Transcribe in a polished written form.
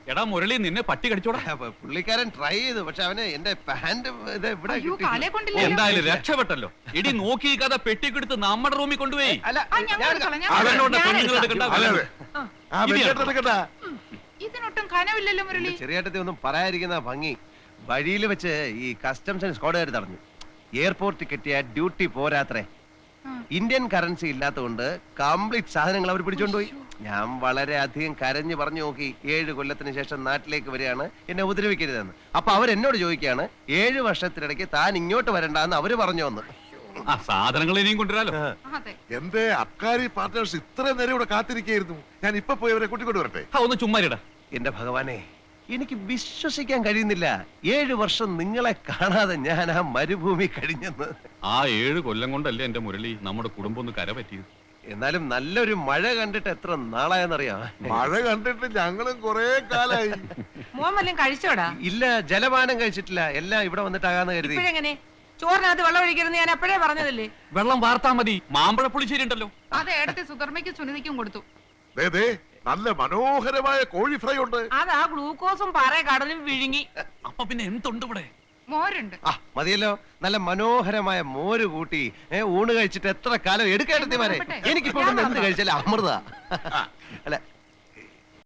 എടാ മുരളി, നിന്നെ പട്ടി കടിച്ചോടാ. പുള്ളിക്കാരൻ ട്രൈ ചെയ്തു, പക്ഷെ അവന് എന്റെ പാന്റ് എന്തായാലും രക്ഷപ്പെട്ടല്ലോ. ഇടി നോക്കി കഥ പെട്ടിക്കെടുത്ത് നമ്മുടെ റൂമിൽ കൊണ്ടുപോയി. ഇതിനൊട്ടും കനവില്ലല്ലോ മുരളി. ചെറിയേട്ടത്തെ ഒന്നും പറയാതിരിക്കുന്ന ഭംഗി. വഴിയിൽ വെച്ച് ഈ കസ്റ്റംസ് ആൻഡ് സ്ക്വാഡുകാർ തടഞ്ഞു. എയർപോർട്ടിൽ കിട്ടിയ ഡ്യൂട്ടി പോരാത്രേ. ഇന്ത്യൻ കറൻസി ഇല്ലാത്തതുകൊണ്ട് കംപ്ലീറ്റ് സാധനങ്ങൾ അവർ പിടിച്ചോണ്ടുപോയി. ഞാൻ വളരെ അധികം കരഞ്ഞു പറഞ്ഞു നോക്കി. 7 കൊല്ലത്തിന് ശേഷം നാട്ടിലേക്ക് വരികയാണ്, എന്നെ ഉപദ്രവിക്കരുതെന്ന്. അപ്പൊ അവരെന്നോട് ചോദിക്കുകയാണ്, 7 വർഷത്തിനിടയ്ക്ക് താൻ ഇങ്ങോട്ട് വരണ്ടെന്ന് അവര് പറഞ്ഞു വന്ന്. സാധനങ്ങൾ ഇനിയും കൊണ്ടുവരാലോ. എന്റെ അബ്കാരി പാർട്ട്നേഴ്സ് ഇത്രയും നേരം ഇവിടെ കാത്തിരിക്കായിരുന്നു. ഞാൻ ഇപ്പൊ പോയി അവരെ കൂട്ടിക്കൊണ്ട് വരട്ടെ. ഒന്ന് ചുമ്മാരിടാ. എന്റെ ഭഗവാനെ, എനിക്ക് വിശ്വസിക്കാൻ കഴിയുന്നില്ല. 7 വർഷം നിങ്ങളെ കാണാതെ ഞാൻ ആ മരുഭൂമി കഴിഞ്ഞെന്ന്. ആ 7 കൊല്ലം കൊണ്ടല്ലേ എന്റെ മുരളി നമ്മുടെ കുടുംബം ഒന്ന് കര പറ്റിയത്. എന്നാലും നല്ലൊരു മഴ കണ്ടിട്ട് എത്ര നാളായെന്നറിയാം. മഴ കണ്ടിട്ട് ഞങ്ങളും കൊറേ കാലായി. മോൻ വല്ലതും കഴിച്ചോടാ? ഇല്ല, ജലപാനം കഴിച്ചിട്ടില്ല. എല്ലാം ഇവിടെ വന്നിട്ടാകാന്ന് കരുതി. ഇപ്പോഴെങ്ങനെ ചോറിനകത്ത് വെള്ളം ഒഴിക്കരുന്ന് ഞാൻ എപ്പോഴേ പറഞ്ഞതല്ലേ? വെള്ളം വാർത്താ മതി. മാമ്പഴ പുളിശ്ശേരി ഉണ്ടല്ലോ, അത് ഏടത്തെ സുധർമ്മയ്ക്കും സുനിധിക്കും കൊടുത്തു. നല്ല മനോഹരമായ കോഴി ഫ്രൈ ഉണ്ട്. അതാ ഗ്ലൂക്കോസും പാറ കടലും വിഴുങ്ങി. അപ്പൊ പിന്നെ എന്തുണ്ട് ഇവിടെ? മോരുണ്ട്. മതിയല്ലോ, നല്ല മനോഹരമായ മോര് കൂട്ടി ഊണ് കഴിച്ചിട്ട് എത്ര കാലം എടുക്കേണ്ടത്. എനിക്കിപ്പോ എന്ത് കഴിച്ചാലും അമൃത. അല്ല,